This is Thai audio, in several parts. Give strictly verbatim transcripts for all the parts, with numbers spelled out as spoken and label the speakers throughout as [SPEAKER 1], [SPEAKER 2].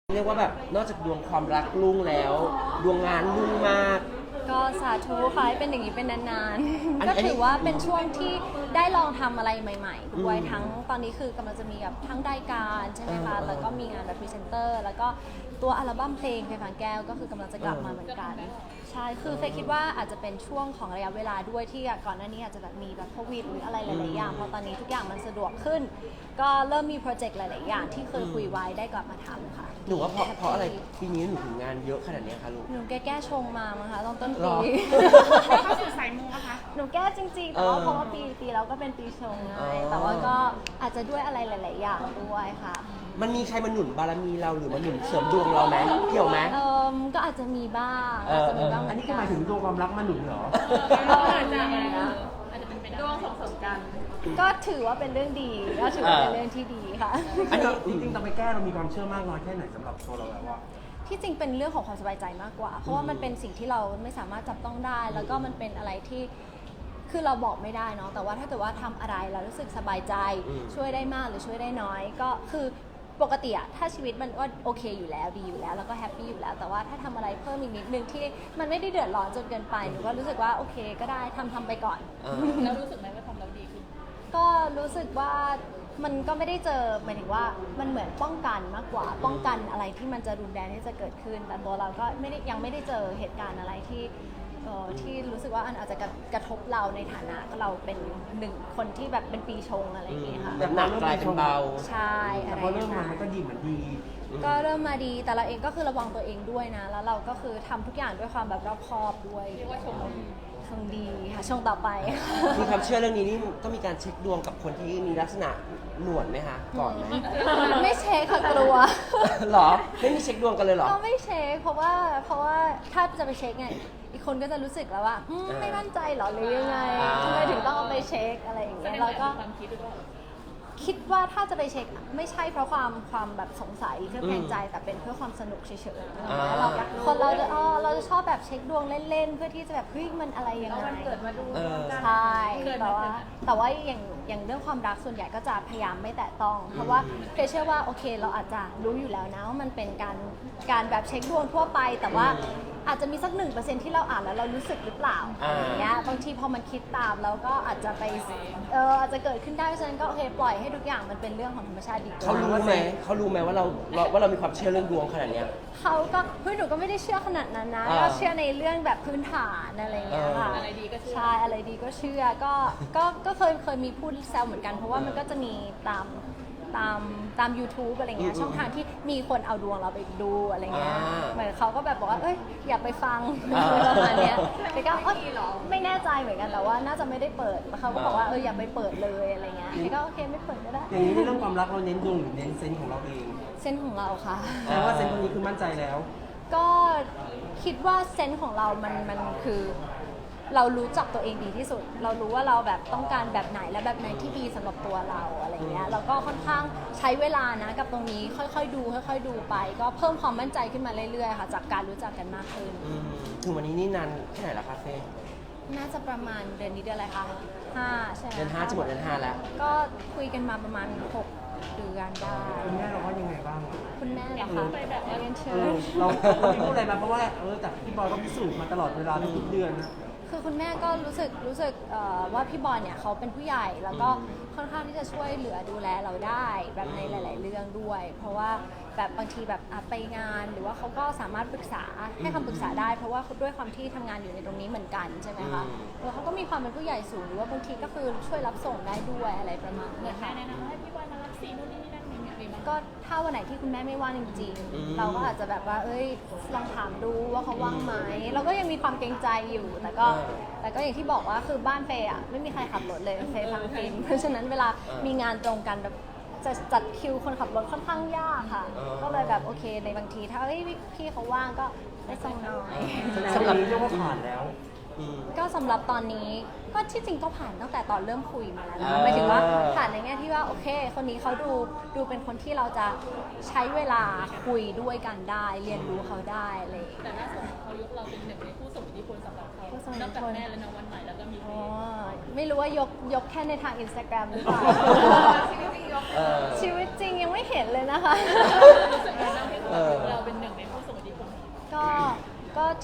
[SPEAKER 1] เรียกว่าแบบนอกจากดวงความรักรุ่งแล้วดวงงานรุ่งมาก
[SPEAKER 2] ก็สาธุค่ะให้เป็นอย่างนี้เป็นนาน
[SPEAKER 1] อัน
[SPEAKER 2] ๆ ก็
[SPEAKER 1] อันนี้
[SPEAKER 2] ถือว่าเป็นช่วงที่ได้ลองทำอะไรใหม่ๆด้วย
[SPEAKER 1] อืม
[SPEAKER 2] ทั้งตอนนี้คือกำลังจะมีแบบทั้งรายการใช่ไหมคะ
[SPEAKER 1] เออ
[SPEAKER 2] แล้วก็มีงานแบบพรีเซนเตอร์แล้วก็ตัวอัลบั้มเพลงเพลงฝังแก้วก็คือกำลังจะกลับมาเหมือนกันใช่คือเฟยคิดว่าอาจจะเป็นช่วงของระยะเวลาด้วยที่ก่อนหน้านี้อาจจะแบบมีแบบโควิดหรืออะไรหลายๆอย่างพอตอนนี้ทุกอย่างมันสะดวกขึ้น ก็เริ่มมีโปรเจกต์หลายๆอย่างที่เคยคุยไว้ได้กลับมาทำค่ะ
[SPEAKER 1] หนูว่าเพราะเพราะอะไรปีนี้หนูถึงงานเยอะขนาดเนี้ยคะลูก
[SPEAKER 2] หนูแก้แก้ชงมามั้งคะตอนต้น
[SPEAKER 1] หร
[SPEAKER 2] ปี
[SPEAKER 1] อ
[SPEAKER 3] เข้าสู่สายมูอะคะ
[SPEAKER 2] หนูแก้จริงๆ แต่ว่า
[SPEAKER 1] เออ
[SPEAKER 2] เพราะว่าปีปีแล้วก็เป็นปีชงไง
[SPEAKER 1] อ๋อ
[SPEAKER 2] แต่ว่าก็อาจจะด้วยอะไรหลาย ๆ อย่างด้วยค่ะ
[SPEAKER 1] มันมีใครมาหนุนบารมีเราหรือมาหนุนเสริมดวงเราไหมเกี่ยวไหม
[SPEAKER 2] เออก็อาจจะมีบ้าง
[SPEAKER 1] เออ
[SPEAKER 2] อาจจะมีบ้าง
[SPEAKER 4] อันนี้คือหมายถึงดวงความรักมาหนุนเหรอ
[SPEAKER 3] อาจจะอาจจะเป็นไปได้ดวงส่งเสริมกัน
[SPEAKER 2] ก็ถือว่าเป็นเรื่องดีก็ถือว่าเป็นเรื่องที่ดีค่ะ
[SPEAKER 1] อันนี้
[SPEAKER 4] จริงๆตอนไปแก้เรามีความเชื่อมากน้อยแค่ไหนสำหรับตัวเราแล้วว่า
[SPEAKER 2] ที่จริงเป็นเรื่องของความสบายใจมากกว่า เพราะว่ามันเป็นสิ่งที่เราไม่สามารถจับต้องได้ แล้วก็มันเป็นอะไรที่คือเราบอกไม่ได้เนาะแต่ว่าถ้าเกิดว่าทำอะไรเรารู้สึกสบายใจ
[SPEAKER 1] อืม
[SPEAKER 2] ช่วยได้มากหรือช่วยได้น้อย ก็คือปกติอะถ้าชีวิตมันก็โอเคอยู่แล้วดีอยู่แล้วแล้วก็แฮปปี้อยู่แล้ว แต่ว่าถ้าทำอะไรเพิ่มอีกนิดนึงที่มันไม่ได้เดือดร้อนจนเกินไปหนูก็รู้สึกว่าโอเคก็ได้ทำทำไปก่อน
[SPEAKER 1] เออ
[SPEAKER 3] แล้วรู้สึกไหมว่าทำแล้วดีขึ้น
[SPEAKER 2] ก็รู้สึกว่ามันก็ไม่ได้เจอหมายถึงว่ามันเหมือนป้องกันมากกว่า ป้องกันอะไรที่มันจะรุนแรงที่จะเกิดขึ้น แต่ตัวเราก็ไม่ได้ยังไม่ได้เจอเหตุการณ์อะไรที่เอ่อที่รู้สึกว่าอันอาจจะกระกระทบเราในฐานะเราเป็นหนึ่งคนที่แบบเป็นปีชงอะไรอย่างเงี้ยค่ะ
[SPEAKER 1] แบบหนักกลายเป็นเบา
[SPEAKER 2] ใช่อะ
[SPEAKER 4] แต่
[SPEAKER 2] ไร
[SPEAKER 4] พอเริ่ม
[SPEAKER 2] อย่
[SPEAKER 4] มาง
[SPEAKER 2] นั้
[SPEAKER 4] มัน
[SPEAKER 2] น
[SPEAKER 4] ก็ดีเหมือนดี
[SPEAKER 2] ก็เริ่มมาดีแต่เราเองก็คือระวังตัวเองด้วยนะ แล้วเราก็คือทำทุกอย่างด้วยความแบบรอบคอบด้วย
[SPEAKER 3] เรียกว่าชมเราดี
[SPEAKER 2] ชงดีค่ะชงต่อไป
[SPEAKER 1] มีความเชื่อเรื่องนี้นี่ต้องมีการเช็คดวงกับคนที่มีลักษณะหนวดไหมคะก่อนไหม
[SPEAKER 2] ไม่เช็คค่ะกลัว
[SPEAKER 1] หรอไม่มีเช็คดวงกันเลยเหรอ
[SPEAKER 2] ก็ไม่เช็คเพราะว่าเพราะว่าถ้าจะไปเช็คไงอีกคนก็จะรู้สึกแล้วว่าอืม
[SPEAKER 1] อ่า
[SPEAKER 2] ไม่มั่นใจเหรอหรือยังไง
[SPEAKER 1] อ่า
[SPEAKER 2] ทำไมถึงต้องเอาไปเช็คอะไรอย่าง
[SPEAKER 3] แส
[SPEAKER 2] เงี้
[SPEAKER 3] ด
[SPEAKER 2] ย
[SPEAKER 3] ง
[SPEAKER 2] เรา
[SPEAKER 3] ว่า
[SPEAKER 2] ก็
[SPEAKER 3] ความคิดหรือเปล่า
[SPEAKER 2] คิดว่าถ้าจะไปเช็คไม่ใช่เพราะความความแบบสงสัยหรือเครือบแคลงใจแต่เป็นเพื่อความสนุกเฉยๆ
[SPEAKER 1] อ่า
[SPEAKER 2] เราคนเราจะอ๋อเราจะชอบแบบเช็คดวงเล่นๆเพื่อที่จะแบบเฮ้ยมันอะไรยัง
[SPEAKER 3] แล้ว
[SPEAKER 2] ไง
[SPEAKER 3] วันเกิดมาดู
[SPEAKER 1] เออ
[SPEAKER 2] ใช่
[SPEAKER 3] เคยไหม
[SPEAKER 2] แต่ว่า
[SPEAKER 3] เคยไหม
[SPEAKER 2] แต่ว่าอย่างอย่างเรื่องความรักส่วนใหญ่ก็จะพยายามไม่แตะต้อง เพราะว่าเพยเชื่อว่าโอเคเราอาจจะรู้อยู่แล้วนะว่ามันเป็นการการแบบเช็คดวงทั่วไป แต่ว่าอาจจะมีสักหนึ่งเปอร์เซ็นที่เราอ่านแล้วเรารู้สึกหรือเปล่า
[SPEAKER 1] อ่า
[SPEAKER 2] อย่างเงี้ยบางทีพอมันคิดตามแล้วก็อาจจะไปเอออาจจะเกิดขึ้นได้เพราะฉะนั้นก็โอเคปล่อยให้ทุกอย่างมันเป็นเรื่องของธรรมชาติดีกว่า
[SPEAKER 1] เขารู้ไหมเขารู้ไหมว่าเราเราว่าเรามีความเชื่อเรื่องดวงขนาดเนี้ย
[SPEAKER 2] เขาก็เฮ้ยหนูก็ไม่ได้เชื่อขนาดนั้นนะ
[SPEAKER 1] อ่า
[SPEAKER 2] ก็เชื่อในเรื่องแบบพื้นฐานอะไรอย่างเงี้ยค่ะ
[SPEAKER 1] เอออ
[SPEAKER 3] อะไรดีก็เชื่อ
[SPEAKER 2] ใช่อะไรดีก็เชื่อก็ก็ก็เคยเคยมีพูดแซวเหมือนกัน เพราะว่ามันก็จะมีตามตามตาม YouTube อะไรเงี้ย
[SPEAKER 1] อืม
[SPEAKER 2] ช่องทางที่มีคนเอาดวงเราไปดูอะไรเงี้ย
[SPEAKER 1] อ่า
[SPEAKER 2] เหมือนเขาก็แบบบอกว่าเอ้ยอย่าไปฟัง
[SPEAKER 1] อ่า
[SPEAKER 2] ประมาณเนี้ยแต่ก็เอ้ยไม่แน่ใจเหมือนกันแต่ว่าน่าจะไม่ได้เปิดแล้วเขาก็บอกว่าเอออย่าไปเปิดเลยอะไรเงี้ยแต่ก็โอเคไม่เปิดก็ได้
[SPEAKER 4] อย่างนี้ในเรื่องความรักเราเน้นดวงหรือเน้นเซนส์ของเราเอง
[SPEAKER 2] เส้นของเราค่ะ
[SPEAKER 4] แปลว่าเซนส์คนนี้คือมั่นใจแล้ว
[SPEAKER 2] ก็คิดว่าเซนส์ของเรามันมันคือ เรารู้จักตัวเองดีที่สุด เรารู้ว่าเราแบบต้องการแบบไหนและแบบไหนที่ดีสำหรับตัวเราอะไรเงี้ยแล้วก็ค่อนข้างใช้เวลานะกับตรงนี้ค่อยๆดูค่อยๆดูไป ก็เพิ่มความมั่นใจขึ้นมาเรื่อยๆค่ะจากการรู้จักกันมากขึ้น
[SPEAKER 1] อืมถึงวันนี้นี่นานแค่ไหนละคะเฟ่
[SPEAKER 2] น่าจะประมาณเดือนนี้เดือนอะไรคะห้าใช่ไหม
[SPEAKER 1] เดือนห้าจะหมดเดือนห้าแล้ว
[SPEAKER 2] ก็คุยกันมาประมาณหกเดือนได้
[SPEAKER 4] คุณแม่เราว่ายังไงบ้าง
[SPEAKER 2] คุณแม่เหรอคะไปแบบเรียนเชิ
[SPEAKER 4] เอ
[SPEAKER 2] ญ
[SPEAKER 4] อเราเราไม่พูดอะไรมาเพราะว่าเออแต่พี่บอยก็พิสูจน์มาตลอดเวลาทุกๆเดือนนะ
[SPEAKER 2] คือคุณแม่ก็รู้สึกรู้สึกเอ่อว่าพี่บอยเนี่ยเขาเป็นผู้ใหญ่แล้วก็ค่อนข้างที่จะช่วยเหลือดูแลเราได้แบบในหลาย ๆ เรื่องด้วย เพราะว่าแบบบางทีแบบอ่ะไปงานหรือว่าเขาก็สามารถปรึกษาให้คำปรึกษาได้ เพราะว่าด้วยความที่ทำงานอยู่ในตรงนี้เหมือนกันใช่ไหมคะ
[SPEAKER 1] อืม
[SPEAKER 2] แล้วเขาก็มีความเป็นผู้ใหญ่สูงหรือว่าบางทีก็คือช่วยรับส่งได้ด้วยอะไรประมาณ
[SPEAKER 3] เหมื
[SPEAKER 2] นี้
[SPEAKER 3] อนแม่
[SPEAKER 2] ค่ะ
[SPEAKER 3] แนะนำว่าให้พี่บอยมารับสีนู่นนี่นั่นมีมีไหม
[SPEAKER 2] ก็ถ้าวันไหนที่คุณแม่ไม่ว่างจริง
[SPEAKER 1] อืม
[SPEAKER 2] ๆ เราก็อาจจะแบบว่า เอ้ยลองถามดูว่าเขาว่างไหมเราก็ยังมีความเกรงใจอยู่ แต่ก็
[SPEAKER 1] เออ
[SPEAKER 2] แต่ก็อย่างที่บอกว่าคือบ้านเฟย์อ่ะไม่มีใครขับรถเลยเฟย์ทำฟิล์มเพราะฉะนั้นเวลา
[SPEAKER 1] เออ
[SPEAKER 2] มีงานตรงกันแบบจะจัดคิวคนขับรถค่อนข้างยากค่ะ
[SPEAKER 1] เออ
[SPEAKER 2] ก็เลยแบบโอเคในบางทีถ้าเอ้ยพี่เขาว่างก็ได้ส่งหน่อย
[SPEAKER 4] แสดงว่านี้เรียกว่าผ่านแล้ว
[SPEAKER 1] อืม
[SPEAKER 2] ก็สำหรับตอนนี้ก็ที่จริงก็ผ่านตั้งแต่ตอนเริ่มคุยมาแล้วนะ
[SPEAKER 1] อ่า
[SPEAKER 2] หมายถึงว่าผ่านในแง่ที่ว่าโอเค คนนี้เขาดูดูเป็นคนที่เราจะใช้เวลาคุยด้วยกันได้ เรียนรู้เขาได้อะไรอย่างเงี้ย
[SPEAKER 3] แต่ล่าสุดเขายกเราเป็นหนึ่งในผู้ส่งอิทธิพลสำหรับเขา
[SPEAKER 2] ผู้ส่งอิท
[SPEAKER 3] น
[SPEAKER 2] ธิ
[SPEAKER 3] อก
[SPEAKER 2] พล
[SPEAKER 3] จากแม่และน้องวันใหม่แล้วก็มีเฟ
[SPEAKER 2] อ๋อ
[SPEAKER 3] ย์
[SPEAKER 2] ไม่รู้ว่ายกยกแค่ในทางอินสตาแกรมหรือเปล่า
[SPEAKER 1] เออ
[SPEAKER 2] ชีวิตจริงยังไม่เห็นเลยนะคะ
[SPEAKER 3] รู้สึกไงบ้างที่
[SPEAKER 1] เออ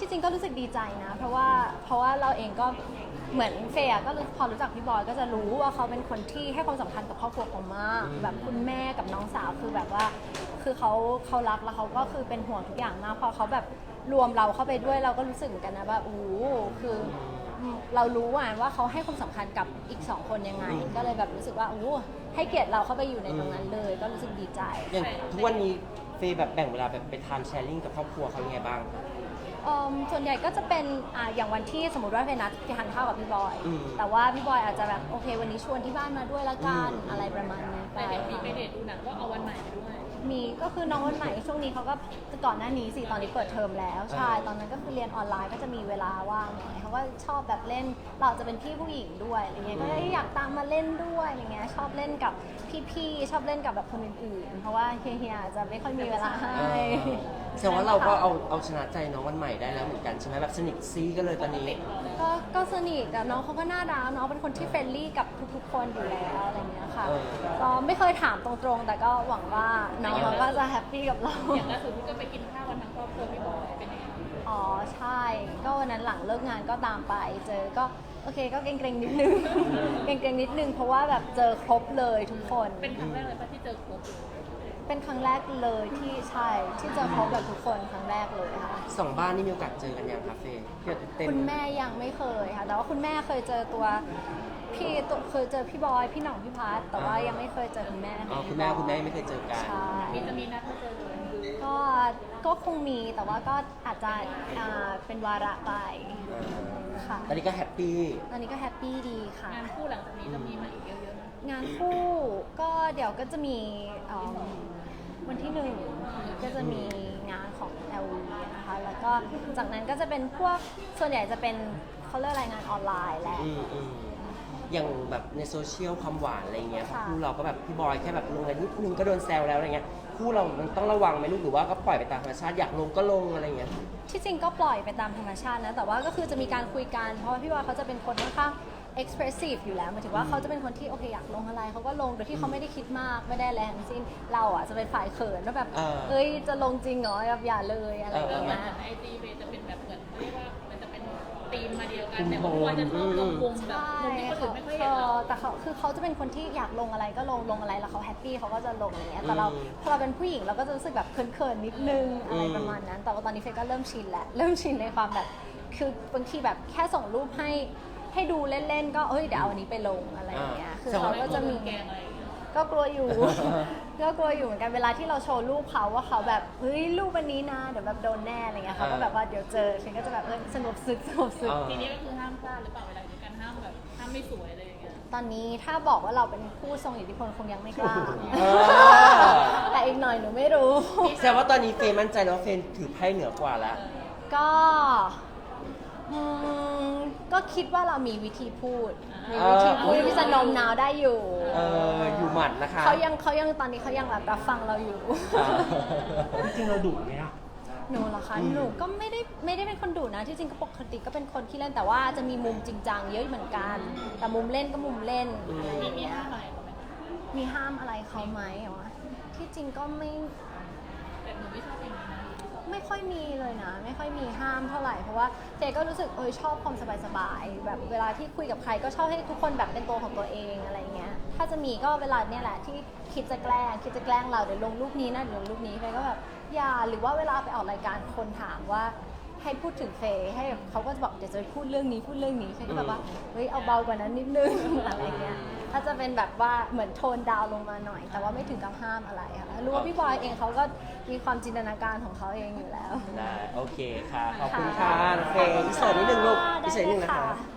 [SPEAKER 2] ที่จริงก็รู้สึกดีใจนะ เพราะว่าเพราะว่าเราเองก็เหมือนเฟย์อะก็รู้พอรู้จักพี่บอยก็จะรู้ว่าเขาเป็นคนที่ให้ความสำคัญกับครอบครัวเขามากแบบคุณแม่กับน้องสาวคือแบบว่า คือเขาเขารักแล้วเขาก็คือเป็นห่วงทุกอย่างมากพอเขาแบบรวมเราเข้าไปด้วยเราก็รู้สึกเหมือนกันนะว่าโอ้โหคือเรารู้ว่าว่าเขาให้ความสำคัญกับอีกสองคนยังไง ก็เลยแบบรู้สึกว่าโอ้โหให้เกียรติเราเข้าไปอยู่ในตรงนั้นเลย ก็รู้สึกดีใจ
[SPEAKER 1] อย่างทุกวันนี้เฟย์แบบแบ่งเวลาแบบไปทานแชร์ลิงกับครอบครัวเขายังไงบ้าง
[SPEAKER 2] เอิ่มส่วนใหญ่ก็จะเป็นอ่าอย่างวันที่สมมติว่าเฟย์นัดไปทานข้าวกับพี่บอย
[SPEAKER 1] อืม
[SPEAKER 2] แต่ว่าพี่บอยอาจจะแบบโอเควันนี้ชวนที่บ้านมาด้วยละกัน
[SPEAKER 1] อืม
[SPEAKER 2] อะไรประมาณนี้ไป
[SPEAKER 3] ไปเด็ดมีไปเด็ดดูหนังก็เอาวันใหม่ไปด้วย
[SPEAKER 2] มีก็คือน้องวันใหม่ช่วงนี้เขาก็ก่อนหน้านี้สิตอนนี้เปิดเทอมแล้วใช่
[SPEAKER 1] เออ
[SPEAKER 2] ตอนนั้นก็คือเรียนออนไลน์ก็จะมีเวลาว่างหน่อยเขาก็ชอบแบบเล่นเราจะเป็นพี่ผู้หญิงด้วยอะไรเงี้ยก็เลยอยากตามมาเล่นด้วยอะไรเงี้ยชอบเล่นกับพี่ๆชอบเล่นกับแบบคนอื่นๆ เพราะว่าเฮียๆจะไม่ค่อยมีเวลาให้
[SPEAKER 1] เออแสดงว่าเราก็เอาเอาชนะใจน้องวันใหม่ได้แล้วเหมือนกันใช่ไหมแบบสนิทซีกันเลยตอนนี้
[SPEAKER 2] ก็ก็สนิทกับน้องเขาก็น่ารักน้องเป็นคนที่เฟรนลี่กับทุกๆ คนอยู่แล้วอะไรเงี้ยค่ะ
[SPEAKER 1] เออ
[SPEAKER 2] ก็ไม่เคยถามตรงๆ แต่ก็หวังว่าน้องเขาก็จะแฮปปี้กับเรา
[SPEAKER 3] อย่างล่าสุดที่ก็ไปกินข้าวกันทั้งครอบครัวพี่บอยเป็นยังไง
[SPEAKER 2] อ๋อใช่ ก็วันนั้นหลังเลิกงานก็ตามไปเจอก็โอเคก็เกรงๆนิดนึง เกรงๆนิดนึงเพราะว่าแบบเจอครบเลยทุกคน
[SPEAKER 3] เป็นครั้งแรกเลยป่ะที่เจอครบเลย
[SPEAKER 2] เป็นครั้งแรกเลยที่ใช่ที่เจอครบแบบทุกคนครั้งแรกเลยค่ะ
[SPEAKER 1] สองบ้านนี่มีโอกาสเจอกันยังคะเฟย์เพื่อเต็ม
[SPEAKER 2] คุณแม่ยังไม่เคยค่ะ แต่ว่าคุณแม่เคยเจอตัวพี่ตัวเคยเจอพี่บอยพี่หน่องพี่พัทแต่ว่ายังไม่เคยเจอคุณแม่
[SPEAKER 1] อ๋อคุณแม่คุณแม่ไม่เคยเจอกัน
[SPEAKER 2] ใช่
[SPEAKER 3] มีจะมีนัดมาเจอกัน
[SPEAKER 2] ก็ก็คงมีแต่ว่าก็อาจจะอ่าเป็นวาระไปค่ะ
[SPEAKER 1] ตอนนี้ก็แฮปปี้
[SPEAKER 2] ตอนนี้ก็แฮปปี้ดีค่ะ
[SPEAKER 3] งานคู่หลังจากนี้จะมีมาอีกเยอะๆนะ
[SPEAKER 2] งานคู่ก็เดี๋ยวก็จะมีเอิ่มวันที่หนึ่งก็จะมีงานของ แอล วี นะคะ แล้วก็จากนั้นก็จะเป็นพวกส่วนใหญ่จะเป็นเขาเรียกอะไรงานออนไลน์แหละ
[SPEAKER 1] อืมอืมอย่างแบบในโซเชียลความหวานอะไรเงี้ย
[SPEAKER 2] ค่ะ
[SPEAKER 1] คู่เราก็แบบพี่บอยแค่แบบลงอะไรนิดนึงก็โดนแซวแล้วอะไรเงี้ยคู่เรามันต้องระวังไหมลูกหรือว่าก็ปล่อยไปตามธรรมชาติอยากลงก็ลงอะไรเงี้ย
[SPEAKER 2] ที่จริงก็ปล่อยไปตามธรรมชาตินะ แต่ว่าก็คือจะมีการคุยกัน เพราะว่าพี่บอยเขาจะเป็นคนค่อนข้าง expressive อยู่แล้วหมายถึงว่าเขาจะเป็นคนที่โอเคอยากลงอะไรเขาก็ลงโดยที่เขาไม่ได้คิดมากไม่ได้อะไรทั้งสิ้นเราอ่ะจะเป็นฝ่ายเขินว่าแบบ
[SPEAKER 1] เออ
[SPEAKER 2] เอ้ยจะลงจริงเหรอแบบอย่าเลยอะไรอย่าง
[SPEAKER 3] เออเหมื
[SPEAKER 2] เงี้
[SPEAKER 3] อน
[SPEAKER 2] ย
[SPEAKER 3] ไอจีเฟจะเป็นแบบเหมือนเรียกว่ามันจะเป็นธีมมาเดียวกันแต่ว่าควรจะชอบลงมุมแบบ
[SPEAKER 2] ใช่
[SPEAKER 3] มุมที่คนอื่นไม่ค่อยเห็น
[SPEAKER 2] เอ
[SPEAKER 3] เรา
[SPEAKER 2] อแต่เขาคือเขาจะเป็นคนที่อยากลงอะไรก็ลงลงอะไรแล้วเขาแฮปปี้เขาก็จะลงอย่างเงี้ยแต่เรา
[SPEAKER 1] อืม
[SPEAKER 2] พอเราเป็นผู้หญิงเราก็จะรู้สึกแบบเขินๆนิดนึงอะไร
[SPEAKER 1] อืม
[SPEAKER 2] ประมาณนั้น แต่ว่าตอนนี้เฟยก็เริ่มชินแล้วเริ่มชินในความแบบคือบางทีแบบแค่ส่งรูปให้ให้ดูเล่นๆก็เอ้ยเดี๋ยวเอาอันนี้ไปลงอะไรอย่างเงี้ยคือเขาก็จะมี
[SPEAKER 3] แกงอะไรอย่างเงี้ย
[SPEAKER 2] ก็กลัวอยู่ ก็กลัวอยู่เหมือนกันเวลาที่เราโชว์รูปเขาว่าเขาแบบเฮ้ยรูปวันนี้นะเดี๋ยวแบบโดนแน่อะไรเงี้ยเขาก็แบบว่าเดี๋ยวเจอฉันก็จะแบบเออสงบศึกสงบศึก
[SPEAKER 1] เออ
[SPEAKER 3] ทีนี้ก็คือห้ามพลาดหรือเปล่าเวลาอยู่กันห้ามแบบห้ามไม่สวยอะไรอย่างเงี้ย
[SPEAKER 2] ตอนนี้ถ้าบอกว่าเราเป็นผู้ทรงอิทธิพลคงยังไม่กล้า
[SPEAKER 1] เออ
[SPEAKER 2] แต่อีกหน่อยหนูไม่รู้
[SPEAKER 1] แสดงว่าตอนนี้เฟย์มั่นใจแล้วว่าเฟย์ถือไพ่เหนือกว่าแล้ว
[SPEAKER 2] ก็อืมก็คิดว่าเรามีวิธีพูด มีวิธีพูดที่จะโน้มน้าวได้อยู่
[SPEAKER 1] เอออยู่หมัดนะคะ
[SPEAKER 2] เขายังเขายังตอนนี้เขายังแบบรับฟังเราอยู่
[SPEAKER 1] อ่า
[SPEAKER 4] จริงๆเราดุไหมอ่ะ
[SPEAKER 2] หนูเหรอคะ
[SPEAKER 1] อืม
[SPEAKER 2] หนูก็ไม่ได้ไม่ได้เป็นคนดุนะ ที่จริงก็ปกติก็เป็นคนที่เล่นแต่ว่าจะมีมุมจริงจังเยอะเหมือนกัน แต่มุมเล่นก็มุมเล่นอะไรอ
[SPEAKER 3] มี
[SPEAKER 2] ย่าง
[SPEAKER 3] มี
[SPEAKER 2] เงี้ย
[SPEAKER 3] ห้ามอะไรเขาไหม
[SPEAKER 2] มีห้ามอะไรเขาไหมเหรอที่จริงก็ไม่
[SPEAKER 3] แต่หนูไม่ชอบอย่างนี้นะ
[SPEAKER 2] ไม่ค่อยมีเลยนะ ไม่ค่อยมีห้ามเท่าไหร่เพราะว่าเจก็รู้สึกเออชอบความสบายๆแบบเวลาที่คุยกับใครก็ชอบให้ทุกคนแบบเป็นตัวของตัวเองอะไรเงี้ยถ้าจะมีก็เวลาเนี่ยแหละที่คิดจะแกล้งคิดจะแกล้งเราเดี๋ยวลงรูปนี้นะเดี๋ยวลงรูปนี้ไปก็แบบอย่าหรือว่าเวลาไปออกรายการคนถามว่าให้พูดถึงเฟย์ให้เขาก็จะบอกเดี๋ยวจะพูดเรื่องนี้พูดเรื่องนี้เฟย์ก็แบบว่าเฮ้ยเอาเบากว่านั้นนิดนึง อะไรเงี้ยถ้าจะเป็นแบบว่าเหมือนโทนดาวน์ลงมาหน่อย แต่ว่าไม่ถึงกับห้ามอะไรค่ะรู้ว่าพี่บอยเองเขาก็มีความจินตนาการของเขาเองอยู่แล้ว
[SPEAKER 1] ได้โอเคค่ะ ขอบคุณค่ะน้องเฟย์พิเศษนิดนึงลูกพิเศษนิดนึงนะคะ
[SPEAKER 2] ได้เลย